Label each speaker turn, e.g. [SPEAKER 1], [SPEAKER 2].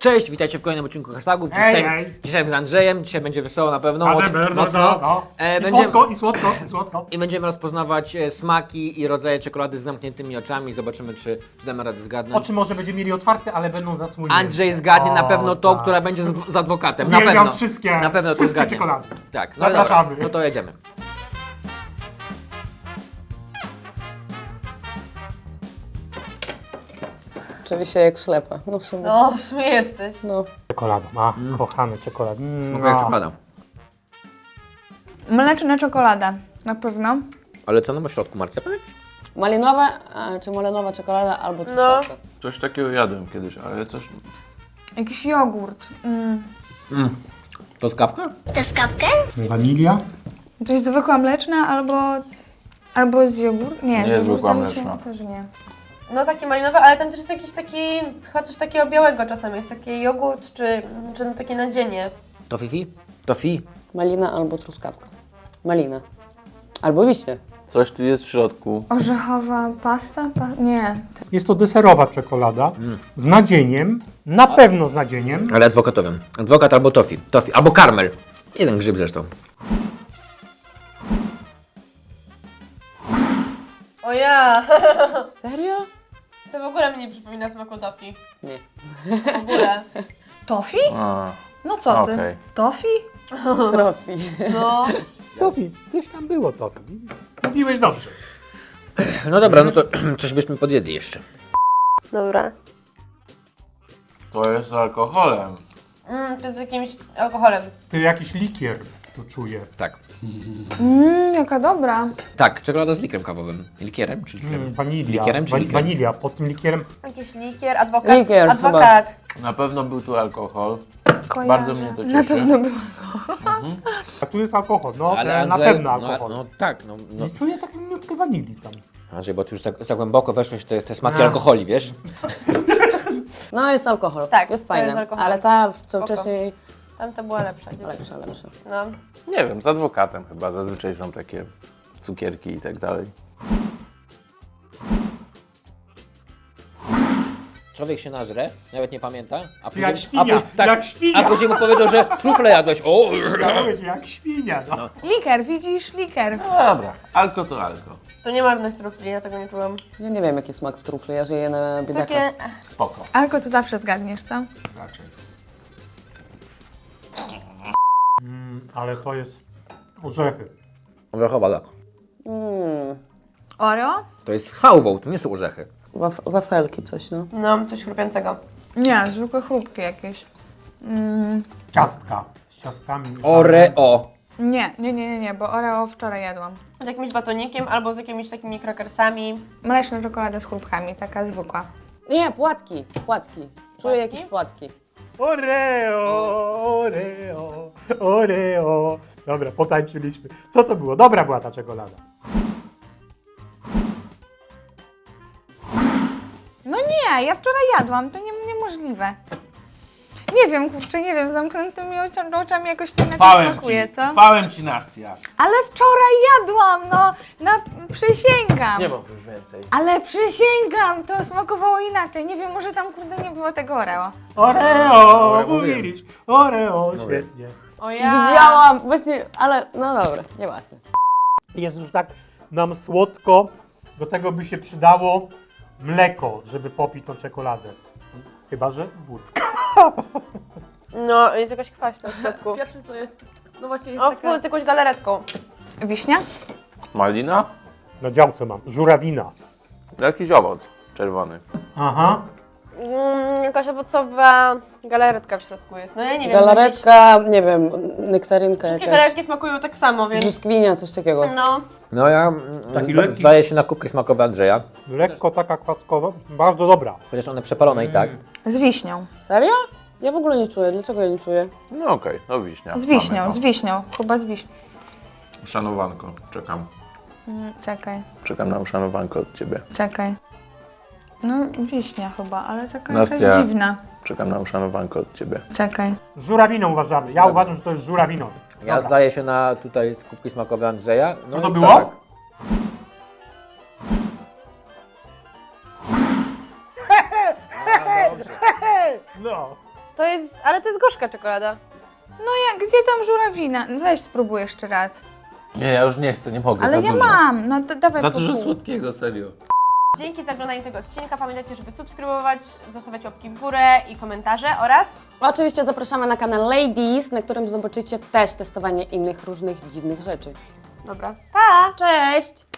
[SPEAKER 1] Cześć, witajcie w kolejnym odcinku hashtagów. Dzisiaj z Andrzejem, dzisiaj będzie wesoło na pewno.
[SPEAKER 2] Mocno. I słodko.
[SPEAKER 1] I będziemy rozpoznawać smaki i rodzaje czekolady z zamkniętymi oczami. Zobaczymy, czy damy radę zgadnąć.
[SPEAKER 2] Oczy może będzie mieli otwarte, ale będą zasłonięte.
[SPEAKER 1] Andrzej zgadnie na pewno tą, która będzie z adwokatem. Na
[SPEAKER 2] Uwielbiam
[SPEAKER 1] pewno.
[SPEAKER 2] wszystkie,
[SPEAKER 1] Na pewno to
[SPEAKER 2] wszystkie
[SPEAKER 1] zgadnie.
[SPEAKER 2] czekolady.
[SPEAKER 1] Tak, no
[SPEAKER 2] Zapraszamy.
[SPEAKER 1] dobra, no to jedziemy.
[SPEAKER 3] Oczywiście jak ślepa. No w sumie.
[SPEAKER 4] No, w sumie jesteś.
[SPEAKER 3] No.
[SPEAKER 2] Czekolada, kochany czekolad.
[SPEAKER 1] Smakuje jak czekolada.
[SPEAKER 4] Mleczna czekolada, na pewno.
[SPEAKER 1] Ale co ma w środku, marcepan?
[SPEAKER 3] Malinowa, czy malinowa czekolada albo truskawka.
[SPEAKER 5] Coś takiego jadłem kiedyś, ale coś...
[SPEAKER 4] Jakiś jogurt.
[SPEAKER 1] To skawka?
[SPEAKER 2] Wanilia.
[SPEAKER 4] Coś zwykła mleczna albo z jogurtem. Nie, z
[SPEAKER 5] zwykła
[SPEAKER 4] jogurtem
[SPEAKER 5] mleczna.
[SPEAKER 4] też nie.
[SPEAKER 6] No takie malinowe, ale tam też jest jakiś taki, chyba coś takiego białego czasem jest, taki jogurt czy no takie nadzienie.
[SPEAKER 1] To Fifi? To Fi?
[SPEAKER 3] Malina albo truskawka. Malina. Albo wiśnie.
[SPEAKER 5] Coś tu jest w środku.
[SPEAKER 4] Orzechowa pasta? Nie.
[SPEAKER 2] Jest to deserowa czekolada z nadzieniem, na pewno z nadzieniem.
[SPEAKER 1] Ale adwokatowym. Adwokat albo tofi. Tofi. Albo karmel. Jeden grzyb zresztą.
[SPEAKER 6] O ja!
[SPEAKER 3] Serio?
[SPEAKER 6] To w ogóle mnie nie przypomina smaku tofi.
[SPEAKER 3] Nie.
[SPEAKER 6] W ogóle.
[SPEAKER 4] Tofi?
[SPEAKER 5] A,
[SPEAKER 4] No co ty?
[SPEAKER 5] okej.
[SPEAKER 4] Tofi?
[SPEAKER 3] Srofi.
[SPEAKER 6] No.
[SPEAKER 2] Tofi, gdzieś tam było tofi. Mówiłeś dobrze.
[SPEAKER 1] No dobra, no to coś byśmy podjedli jeszcze.
[SPEAKER 6] Dobra.
[SPEAKER 5] To jest z alkoholem.
[SPEAKER 6] To jest z jakimś alkoholem.
[SPEAKER 2] Ty jakiś likier tu czuję.
[SPEAKER 1] Tak.
[SPEAKER 4] Jaka dobra.
[SPEAKER 1] Tak, czekolada z likrem kawowym. Likierem czy likrem?
[SPEAKER 2] Wanilia.
[SPEAKER 1] Likierem czy likrem?
[SPEAKER 2] Wanilia. Pod tym likierem
[SPEAKER 6] Jakiś likier, adwokat.
[SPEAKER 3] Likier
[SPEAKER 6] Adwokat.
[SPEAKER 5] Na pewno był tu alkohol.
[SPEAKER 4] Kojarzę.
[SPEAKER 5] Bardzo mnie to cieszy.
[SPEAKER 4] Na pewno było.
[SPEAKER 2] a tu jest alkohol. No, na
[SPEAKER 1] Andrzej,
[SPEAKER 2] pewno alkohol.
[SPEAKER 1] No tak, no.
[SPEAKER 2] I czuję taką minutkę wanilii tam.
[SPEAKER 1] Andrzej, bo ty już za głęboko weszłeś w te smaki alkoholi, wiesz?
[SPEAKER 3] No jest alkohol.
[SPEAKER 6] Tak,
[SPEAKER 3] jest
[SPEAKER 6] to
[SPEAKER 3] fajne.
[SPEAKER 6] jest alkohol.
[SPEAKER 3] Ale ta, co
[SPEAKER 6] Spoko.
[SPEAKER 3] wcześniej,
[SPEAKER 6] Tamta była lepsza.
[SPEAKER 3] lepsza.
[SPEAKER 6] No.
[SPEAKER 5] Nie wiem, z adwokatem chyba. Zazwyczaj są takie cukierki i tak dalej.
[SPEAKER 1] Człowiek się nażre, nawet nie pamięta. A później,
[SPEAKER 2] Jak świnia, jak świnia.
[SPEAKER 1] A później mu powiedział, że trufle jadłeś. O!
[SPEAKER 2] Ja mówię ci, jak świnia. No.
[SPEAKER 4] Liker, widzisz? Liker.
[SPEAKER 5] No dobra, alko to alko.
[SPEAKER 6] To nie ma żadnych trufli, ja tego nie czułam.
[SPEAKER 3] Ja nie wiem jaki smak w trufle, ja żyję na biedaka.
[SPEAKER 6] Takie...
[SPEAKER 5] Spoko.
[SPEAKER 4] Alko to zawsze zgadniesz, co?
[SPEAKER 5] Raczej.
[SPEAKER 2] Ale to jest orzechy.
[SPEAKER 1] Orzechowa, tak.
[SPEAKER 4] Oreo?
[SPEAKER 1] To jest chałwą, to nie są orzechy.
[SPEAKER 3] Wafelki coś, no.
[SPEAKER 6] No, coś chrupiącego.
[SPEAKER 4] Nie, zwykłe chrupki jakieś.
[SPEAKER 2] Ciastka. Z ciastkami.
[SPEAKER 1] Oreo.
[SPEAKER 4] Nie, bo Oreo wczoraj jadłam.
[SPEAKER 6] Z jakimś batonikiem albo z jakimiś takimi krakersami.
[SPEAKER 4] Mleczna czekolada z chrupkami, taka zwykła.
[SPEAKER 3] Nie, płatki. Czuję jakieś płatki.
[SPEAKER 2] Oreo. Dobra, potańczyliśmy. Co to było? Dobra była ta czekolada.
[SPEAKER 4] No nie, ja wczoraj jadłam, to niemożliwe. Nie wiem, kurczę, nie wiem, z zamkniętymi oczami jakoś to inaczej smakuje, co?
[SPEAKER 5] Chwałem ci, Nastia.
[SPEAKER 4] Ale wczoraj jadłam, no, przysięgam.
[SPEAKER 5] Nie mam już więcej.
[SPEAKER 4] Ale przysięgam, to smakowało inaczej. Nie wiem, może tam kurde nie było tego Oreo.
[SPEAKER 2] Oreo, mówiliśmy. Oreo, świetnie.
[SPEAKER 6] O ja!
[SPEAKER 3] Widziałam, właśnie, ale no dobra, nieważne.
[SPEAKER 2] Jest już tak nam słodko. Do tego by się przydało mleko, żeby popić tą czekoladę. Chyba że wódka.
[SPEAKER 6] No, jest jakaś kwaśna w środku.
[SPEAKER 3] Pierwsze co jest, no właśnie jest
[SPEAKER 6] O, z jakąś galaretką.
[SPEAKER 4] Wiśnia?
[SPEAKER 5] Malina?
[SPEAKER 2] Na działce mam. Żurawina.
[SPEAKER 5] Jakiś owoc czerwony.
[SPEAKER 2] Aha.
[SPEAKER 6] Jakaś owocowa galaretka w środku jest. No ja nie wiem.
[SPEAKER 3] Galaretka, nie wiem, nektarynka
[SPEAKER 6] Wszystkie
[SPEAKER 3] jakaś.
[SPEAKER 6] galaretki smakują tak samo, więc...
[SPEAKER 3] Brzoskwinia, coś takiego.
[SPEAKER 6] No.
[SPEAKER 1] No ja
[SPEAKER 2] Taki lekki.
[SPEAKER 1] zdaje się na kubki smakowe Andrzeja.
[SPEAKER 2] Lekko taka kwaskowa. Bardzo dobra.
[SPEAKER 1] Chociaż one przepalone i tak.
[SPEAKER 4] Z wiśnią.
[SPEAKER 3] Serio? Ja w ogóle nie czuję. Dlaczego ja nie czuję?
[SPEAKER 5] No okej, no wiśnia.
[SPEAKER 4] Z wiśnią,
[SPEAKER 5] Mamy
[SPEAKER 4] z wiśnią. Chyba z wiśnią.
[SPEAKER 5] to. Uszanowanko, czekam.
[SPEAKER 4] Czekaj,
[SPEAKER 5] Czekam na uszanowanko od ciebie.
[SPEAKER 4] czekaj. No, wiśnia chyba, ale taka
[SPEAKER 5] Nastia.
[SPEAKER 4] jakaś dziwna.
[SPEAKER 5] Czekam na uszanowanko od ciebie.
[SPEAKER 4] Czekaj.
[SPEAKER 2] Żurawiną uważamy. Ja uważam, że to jest żurawiną.
[SPEAKER 1] Ja
[SPEAKER 2] Dobra.
[SPEAKER 1] zdaję się na tutaj kubki smakowe Andrzeja. No
[SPEAKER 2] Co to
[SPEAKER 1] i
[SPEAKER 2] było?
[SPEAKER 1] Tak.
[SPEAKER 2] No.
[SPEAKER 6] Ale to jest gorzka czekolada.
[SPEAKER 4] No gdzie tam żurawina? Weź spróbuj jeszcze raz.
[SPEAKER 5] Nie, ja już nie chcę, nie mogę.
[SPEAKER 4] Ale
[SPEAKER 5] za
[SPEAKER 4] ja
[SPEAKER 5] dużo.
[SPEAKER 4] mam, no dawaj
[SPEAKER 5] Za
[SPEAKER 4] po
[SPEAKER 5] dużo
[SPEAKER 4] pół.
[SPEAKER 5] słodkiego, serio.
[SPEAKER 6] Dzięki za oglądanie tego odcinka. Pamiętajcie, żeby subskrybować, zostawiać łapki w górę i komentarze oraz...
[SPEAKER 3] Oczywiście zapraszamy na kanał Ladies, na którym zobaczycie też testowanie innych różnych dziwnych rzeczy.
[SPEAKER 6] Dobra, pa!
[SPEAKER 3] Cześć!